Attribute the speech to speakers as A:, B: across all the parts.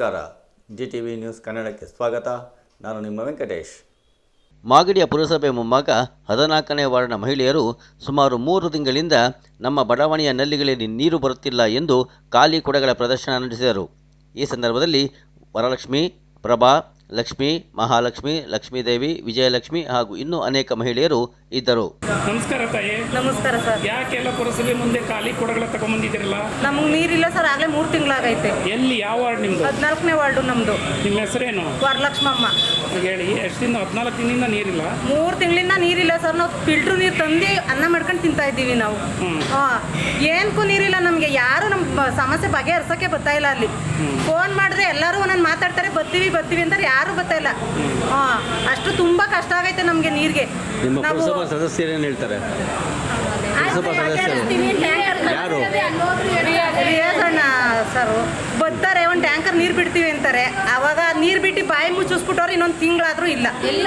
A: ನಮಸ್ಕಾರ. GTV news ಕನ್ನಡಕ್ಕೆ ಸ್ವಾಗತ. ನಾನು ನಿಮ್ಮ ವೆಂಕಟೇಶ್.
B: ಮಾಗಡಿಯ ಪುರಸಭೆ ಮುಂಭಾಗ 14ನೇ ವಾರ್ಡ್ನ ಮಹಿಳೆಯರು ಸುಮಾರು 3 ತಿಂಗಳಿಂದ ನಮ್ಮ ಬಡಾವಣೆಯ ನಲ್ಲಿಗಳಲ್ಲಿ ನೀರು ಬರುತ್ತಿಲ್ಲ ಎಂದು ಖಾಲಿ ಕೊಡಗಳ ಪ್ರದರ್ಶನ ನಡೆಸಿದರು. ಈ ಸಂದರ್ಭದಲ್ಲಿ ವರಲಕ್ಷ್ಮಿ, ಪ್ರಭಾ, ಲಕ್ಷ್ಮಿ, ಮಹಾಲಕ್ಷ್ಮಿ, ಲಕ್ಷ್ಮೀದೇವಿ, ವಿಜಯಲಕ್ಷ್ಮಿ ಹಾಗೂ ಇನ್ನೂ ಅನೇಕ ಮಹಿಳೆಯರು ಇದ್ದರು.
C: ನಮಸ್ಕಾರ ತಾಯಿ.
D: ನಮಸ್ಕಾರ ಸರ್.
C: ಯಾಕೆಲ್ಲ ಪುರಸಭೆ ಮುಂದೆ ಖಾಲಿ ಕೊಡಗಳ ತಗೊಂಡ್ಬಂದಿದ್ದೀರಲ್ಲ?
D: ನಮಗೆ ನೀರಿಲ್ಲ ಸರ್, ಆಗಲೇ 3 ತಿಂಗಳಾಗೈತೆ.
C: ಎಲ್ಲಿ, ಯಾವ ವಾರ್ಡ್ ನಿಮ್ದು?
D: 14ನೇ ವಾರ್ಡು ನಮ್ಮದು.
C: ನಿಮ್ಮ ಹೆಸರೇನು?
D: ವರಲಕ್ಷ್ಮಮ್ಮ.
C: ಹೇಳಿ, ಎಷ್ಟು ದಿನ? 14 ದಿನದಿಂದ ನೀರಿಲ್ಲ?
D: 3 ತಿಂಗಳಿಂದ ನೀರಿಲ್ಲ ಸರ್. ನಾವು ಫಿಲ್ಟ್ರ್ ನೀರು ತಂದು ಅನ್ನ ಮಾಡ್ಕೊಂಡು ತಿಂತಾ ಇದ್ದೀವಿ ನಾವು. ಏನಕ್ಕೂ ನೀರಿಲ್ಲ ನಮಗೆ. ಯಾರು ನಮ್ಮ ಸಮಸ್ಯೆ ಬಗೆಹರಿಸೋಕ್ಕೆ ಬರ್ತಾ ಇಲ್ಲ. ಅಲ್ಲಿ ಫೋನ್ ಮಾಡಿದ್ರೆ ಎಲ್ಲರೂ ಒಂದೊಂದು ಮಾತಾಡ್ತಾರೆ, ಬರ್ತೀವಿ ಅಂತಾರೆ, ಯಾರು ಬರ್ತಾ ಇಲ್ಲ. ಅಷ್ಟು ತುಂಬ ಕಷ್ಟ ಆಗೈತೆ ನಮಗೆ ನೀರಿಗೆ.
B: ನಿಮ್ಮ ಪುರಸಭಾ ಸದಸ್ಯರೇನು ಹೇಳ್ತಾರೆ? ಯಾರು?
D: ರಿಯಾಜಣ್ಣ ಸರ್ ಬರ್ತಾರೆ, ಒಂದು ಟ್ಯಾಂಕರ್ ನೀರು ಬಿಡ್ತೀವಿ ಅಂತಾರೆ. ಅವಾಗ ನೀರು ಬಿಟ್ಟು ಬಾಯಿ ಮುಚ್ಚಿಸ್ಬಿಟ್ಟವ್ರು ಇನ್ನೊಂದು ತಿಂಗಳಾದ್ರೂ ಇಲ್ಲ.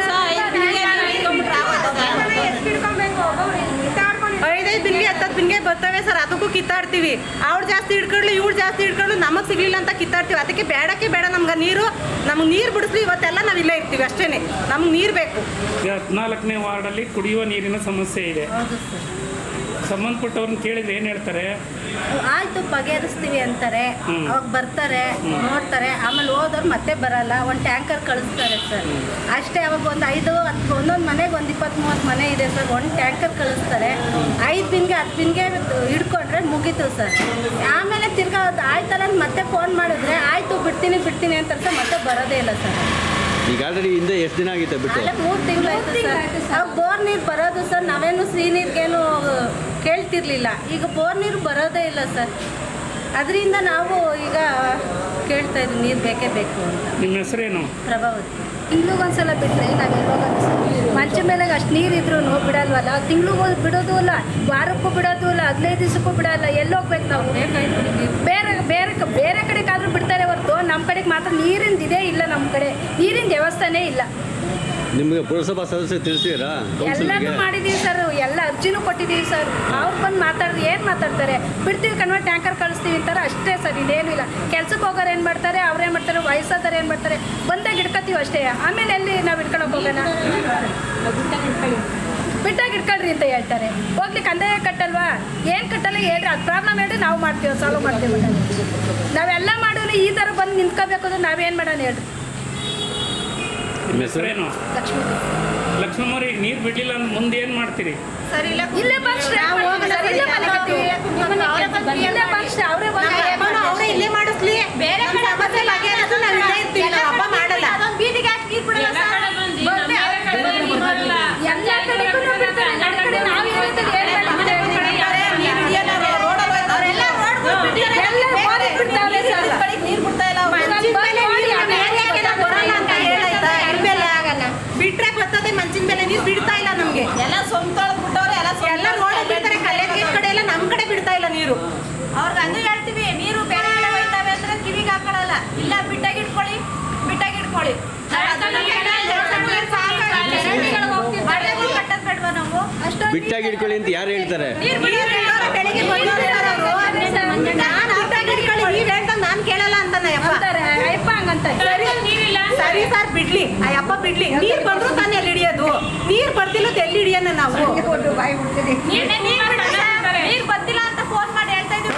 D: 5 ಬಿನ್ಗೆ 10 ಬಿನ್ಗೆ ಬರ್ತವೆ ಸರ್. ಅದಕ್ಕೂ ಕಿತ್ತಾಡ್ತೀವಿ. ಅವ್ರು ಜಾಸ್ತಿ ಹಿಡ್ಕೊಳ್ಳಿ, ಇವ್ರು ಜಾಸ್ತಿ ಹಿಡ್ಕೊಳ್ಳಿ, ನಮಗೆ ಸಿಗ್ಲಿಲ್ಲ ಅಂತ ಕಿತ್ತಾಡ್ತೀವಿ. ಅದಕ್ಕೆ ಬೇಡಕ್ಕೆ ಬೇಡ ನಮ್ಗೆ ನೀರು. ನಮ್ಗೆ ನೀರು ಬಿಡಿಸ್ಲಿ, ಇವತ್ತೆಲ್ಲ ನಾವು ಇಲ್ಲೇ ಇರ್ತೀವಿ ಅಷ್ಟೇ. ನಮ್ಗೆ ನೀರು ಬೇಕು.
C: 14ನೇ ವಾರ್ಡಲ್ಲಿ ಕುಡಿಯುವ ನೀರಿನ ಸಮಸ್ಯೆ ಇದೆ. ಸಂಬಂಧಪಟ್ಟವ್ರನ್ನ ಕೇಳಿದ್ರೆ ಏನು ಹೇಳ್ತಾರೆ?
E: ಆಯ್ತು ಬಗೆಹರಿಸ್ತೀವಿ ಅಂತಾರೆ. ಅವಾಗ ಬರ್ತಾರೆ, ನೋಡ್ತಾರೆ, ಆಮೇಲೆ ಹೋದವ್ರು ಮತ್ತೆ ಬರಲ್ಲ. ಒಂದು ಟ್ಯಾಂಕರ್ ಕಳಿಸ್ತಾರೆ ಸರ್ ಅಷ್ಟೇ. ಅವಾಗ ಒಂದು 5-10 ಒಂದೊಂದು ಮನೆಗೆ ಒಂದು 20-30 ಮನೆ ಇದೆ ಸರ್. ಒಂದು ಟ್ಯಾಂಕರ್ ಕಳಿಸ್ತಾರೆ. 5 ಬಿನ್ಗೆ 10 ಬಿನ್ಗೆ ಹಿಡ್ಕೊಂಡ್ರೆ ಮುಗೀತು ಸರ್. ಆಮೇಲೆ ತಿರ್ಗಾ ಆಯ್ತಲ್ಲ ಮತ್ತೆ ಫೋನ್ ಮಾಡಿದ್ರೆ ಆಯಿತು ಬಿಡ್ತೀನಿ ಅಂತಾರೆ ಸರ್. ಮತ್ತೆ ಬರೋದೇ ಇಲ್ಲ ಸರ್.
B: ಈಗ ಆಲ್ರೆಡಿ ಹಿಂದೆ ಎಷ್ಟು ದಿನ ಆಗಿತ್ತು ಬಿಟ್ಟು?
E: ಅಲ್ಲೇ 3 ತಿಂಗಳಾಯ್ತು ಸರ್. ಅವಾಗ ಬೋರ್ ನೀರು ಬರೋದು ಸರ್. ನಾವೇನು ಸಿಹಿ ನೀರಿಗೇನು ಕೇಳ್ತಿರ್ಲಿಲ್ಲ. ಈಗ ಬೋರ್ ನೀರು ಬರೋದೇ ಇಲ್ಲ ಸರ್. ಅದರಿಂದ ನಾವು ಈಗ ಕೇಳ್ತಾ ಇದ್ವಿ, ನೀರು ಬೇಕೇ ಬೇಕು ಅಂತ.
C: ನಿಮ್ಮ ಹೆಸರೇನು?
E: ಪ್ರಭಾವತಿ. ತಿಂಗ್ಳಿಗೊಂದ್ಸಲ ಬಿಟ್ಟರೆ ನಾವು ಎಲ್ಲೋಗ ಮಂಚ ಮೇಲೆ ಅಷ್ಟು ನೀರಿದ್ರು ಬಿಡಲ್ವಲ್ಲ. ತಿಂಗ್ಳಿಗೂ ಬಿಡೋದು ಇಲ್ಲ, ವಾರಕ್ಕೂ ಬಿಡೋದು ಇಲ್ಲ, 15 ದಿವಸಕ್ಕೂ ಬಿಡಲ್ಲ. ಎಲ್ಲೋಗ್ಬೇಕು ನಾವು? ಬೇರೆ ಕಡೆಗಾದ್ರೂ ಬಿಡ್ತಾರೆ ಹೊರತು ನಮ್ಮ ಕಡೆಗೆ ಮಾತ್ರ ನೀರಿಂದ ಇದೇ ಇಲ್ಲ. ನಮ್ಮ ಕಡೆ ನೀರಿನ ವ್ಯವಸ್ಥೆನೇ ಇಲ್ಲ.
B: ನಿಮಗೆ ಪುರಸಭಾ ಸದಸ್ಯರು ತಿಳಿಸಿರಾ?
E: ಎಲ್ಲನೂ ಮಾಡಿದ್ದೀವಿ ಸರ್. ಎಲ್ಲ ಅರ್ಜಿನೂ ಕೊಟ್ಟಿದ್ದೀವಿ ಸರ್. ಅವ್ರು ಬಂದು ಮಾತಾಡಿದ್ರೆ ಏನು ಮಾತಾಡ್ತಾರೆ? ಬಿಡ್ತೀವಿ ಕಣ್ವ, ಟ್ಯಾಂಕರ್ ಕಳಿಸ್ತೀವಿ ಅಂತಾರೆ ಅಷ್ಟೇ ಸರ್. ಇದೇನು ಇಲ್ಲ. ಕೆಲ್ಸಕ್ಕೆ ಹೋಗೋರು ಏನು ಮಾಡ್ತಾರೆ, ಅವ್ರೇನು ಮಾಡ್ತಾರೆ, ವಯಸ್ಸಾದವ್ರು ಏನು ಮಾಡ್ತಾರೆ, ಬಂದಾಗ ಹಿಡ್ಕೊತೀವಿ ಅಷ್ಟೇ. ಆಮೇಲೆ ಎಲ್ಲಿ ನಾವು ಹಿಡ್ಕೊಳಕ್ಕೆ ಹೋಗೋಣ? ಬಿಟ್ಟಾಗ ಹಿಡ್ಕೊಳ್ರಿ ಅಂತ ಹೇಳ್ತಾರೆ. ಹೋಗ್ಲಿ ಕಂದಾಯ ಕಟ್ಟಲ್ವಾ? ಏನು ಕಟ್ಟಲ್ಲ ಹೇಳ್ರಿ. ಅದು ಪ್ರಾಬ್ಲಮ್ ಹೇಳ್ರಿ, ನಾವು ಮಾಡ್ತೀವಿ, ಸಾಲ್ವ್ ಮಾಡ್ತೀವಿ. ನಾವೆಲ್ಲ ಮಾಡಿದ್ರೆ ಈ ಥರ ಬಂದು ನಿಂತ್ಕೋಬೇಕು ಅಂದ್ರೆ ನಾವೇನು ಮಾಡೋಣ ಹೇಳ್ರಿ?
C: ನಿಮ್ಮ ಹೆಸರೇನು?
E: ಲಕ್ಷ್ಮೀ.
C: ಲಕ್ಷ್ಮಮ್ಮವ್ರಿ, ನೀರು ಬಿಡಲಿಲ್ಲ ಅಂದ್ರೆ ಮುಂದೆ ಏನು ಮಾಡ್ತೀರಿ?
E: ಸರ್ ಇಲ್ಲೇ ಬಂದ್ರೆ
D: ಅವರೇ ಇಲ್ಲೇ ಮಾಡಿಸ್ಲಿ. ಬೇರೆ ಕಡೆ ಸಮಸ್ಯೆ ಬಗೆಹರಿಸು, ನಾವು ಇಲ್ಲೇ ಇರ್ತೀವಿ. ನಾವು ಹಬ್ಬ ಮಾಡಲ್ಲ.
E: ಬೀದಿಗೆ ಹಾಕಿ ನೀರು ಬಿಡಲ್ಲ ಸರ್. ಎಲ್ಲ ಕಡೆಗೂ ಬಿಡ್ತಾರೆ. ನನ್ನ ಕಡೆ ನಾವು ಇರೋದು
D: ಬಿಟ್ರೆ ಬರ್ತದೆ. ಮಂಚಿನ ಮೇಲೆ ನೀರು ಬಿಡ್ತಾ ಇಲ್ಲ ನಮ್ಗೆ.
E: ಎಲ್ಲ ಸ್ವಂತ ಬಿಟ್ಟವ್ರೆ.
D: ಎಲ್ಲ ರೋಡ್ ಬಿಡ್ತಾರೆ. ಕಲ್ಯಾಣ ಕಡೆ ಎಲ್ಲ ನಮ್ಮ ಕಡೆ ಬಿಡ್ತಾ ಇಲ್ಲ ನೀರು.
E: ಅವ್ರಿಗೆ ಅಂದು ಹೇಳ್ತೀವಿ, ನೀರು ಬೇರೆ ಕಡೆ ಹೋಯ್ತಾವೆ ಅಂದ್ರೆ ಕಿವಿಗೆ ಹಾಕೊಳ್ಳಲ್ಲ. ಇಲ್ಲ ಬಿಟ್ಟಾಗಿ ಇಟ್ಕೊಳ್ಳಿ.
B: ಬಿಟ್ಟಾಗಿ ಇಟ್ಕೊಳ್ಳಿ ಅಂತ ಯಾರು ಹೇಳ್ತಾರೆ?
D: ನಾನು ಕೇಳಲ್ಲ ಅಂತಾನೆ
E: ಹಂಗಂತ.
D: ಸರಿ ಸರ್, ಬಿಡ್ಲಿ ಅಯ್ಯಪ್ಪ ಬಿಡ್ಲಿ. ನೀರ್ ಬಂದ್ರು ತಾನೇ ಎಲ್ಲಿ ಹಿಡಿಯೋದು? ನೀರ್ ಬರ್ತಿಲ್ಲ ಎಲ್ಲಿ ಹಿಡಿಯೋಣ ನಾವು?
E: ನೀರ್ ಬಂದಿಲ್ಲ ಅಂತ ಫೋನ್ ಮಾಡಿ ಹೇಳ್ತಾ ಇದ್ವಿ.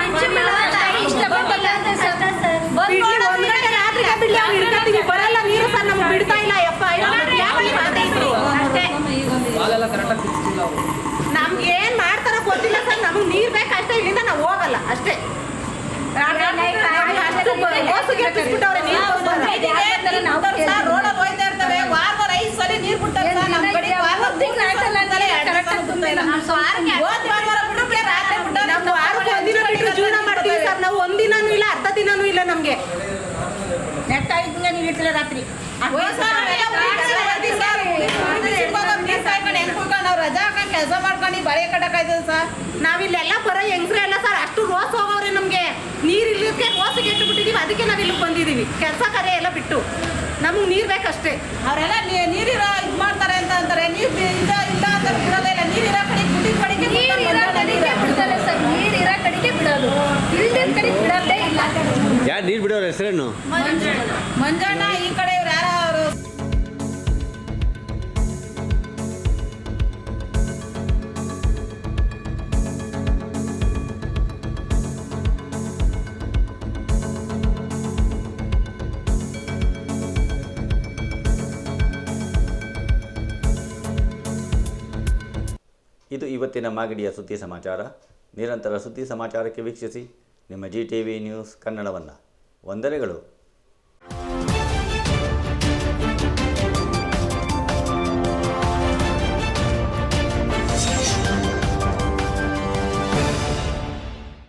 D: ಬರಲ್ಲ ನೀರು ಸರ್, ನಮ್ಗೆ ಬಿಡ್ತಾ ಇಲ್ಲ. ನಮ್ಗೆ ಏನ್ ಮಾಡ್ತಾರ ಗೊತ್ತಿಲ್ಲ ಸರ್. ನಮ್ಗೆ ನೀರ್ ಬೇಕಷ್ಟೇ. ಇಲ್ಲಿಂದ ನಾವು ಹೋಗಲ್ಲ ಅಷ್ಟೇ. ಜೀವನ ಮಾಡ್ತೀವಿ ಸರ್ ನಾವು. ಒಂದಿನೂ ಇಲ್ಲ, ಅರ್ಧ ದಿನನೂ ಇಲ್ಲ ನಮ್ಗೆ.
E: ನೆಟ್ಟ 5 ದಿನ ನೀರು ಇಟ್ಟಿಲ್ಲ ರಾತ್ರಿ.
D: ನಾವು ರಜಾ ಹಾಕೊಂಡು ಕೆಲಸ ಮಾಡ್ಕೊಂಡು ಬಳೆ ಕಟ್ಟಕ್ಕಾಯ್ತದೆ ಸರ್. ನಾವಿಲ್ಲೆಲ್ಲ ಬರೋ ಹೆಂಗ್ಸ್ರೆ ಎಲ್ಲ ಸರ್ ಅಷ್ಟು ರೋಸ್ ಹೋಗವ್ರೆ. ನಮ್ಗೆ ನೀರು ಇಲ್ಲಕ್ಕೆ ರೋಸಿಗೆ ಇಟ್ಟು ಬಿಟ್ಟಿದೀವಿ. ಅದಕ್ಕೆ ನಾವ್ ಇಲ್ಲಿ ಬಂದಿದೀವಿ. ಕೆಲಸ ಕಾರ್ಯ ಎಲ್ಲ ಬಿಟ್ಟು ನಮ್ಗೆ ನೀರ್ ಬೇಕಷ್ಟೇ.
E: ಅವರೆಲ್ಲ ನೀರಿರೋ ಇದು ಮಾಡ್ತಾರೆ ಅಂತ ಅಂತಾರೆ. ನೀರು ಇಲ್ಲ ಅಂತ ಬಿಡೋದೇ ಇಲ್ಲ. ನೀರಿರೋ ಕಡೆಗೆ ಬಿಟ್ಟಿದ ಕಡೆಗೆ ಬಿಡ್ತಾರೆ ಸರ್. ನೀರಿರೋ ಕಡೆಗೆ ಬಿಡೋದು, ಇಲ್ದಿದ್ದ ಕಡೆಗೆ ಬಿಡೋದೇ ಇಲ್ಲ.
B: ಯಾರು ನೀರು ಬಿಡೋರ ಹೆಸರೇನು?
D: ಮಂಜಣ್ಣ ಈ ಕಡೆ ಇವ್ರು ಯಾರು ಅವರು
A: ಇದು ಇವತ್ತಿನ ಮಾಗಡಿಯ ಸುದ್ದಿ ಸಮಾಚಾರ. ನಿರಂತರ ಸುದ್ದಿ ಸಮಾಚಾರಕ್ಕೆ ವೀಕ್ಷಿಸಿ ನಿಮ್ಮ GTV ನ್ಯೂಸ್ ಕನ್ನಡವನ್ನು. ವಂದನೆಗಳು.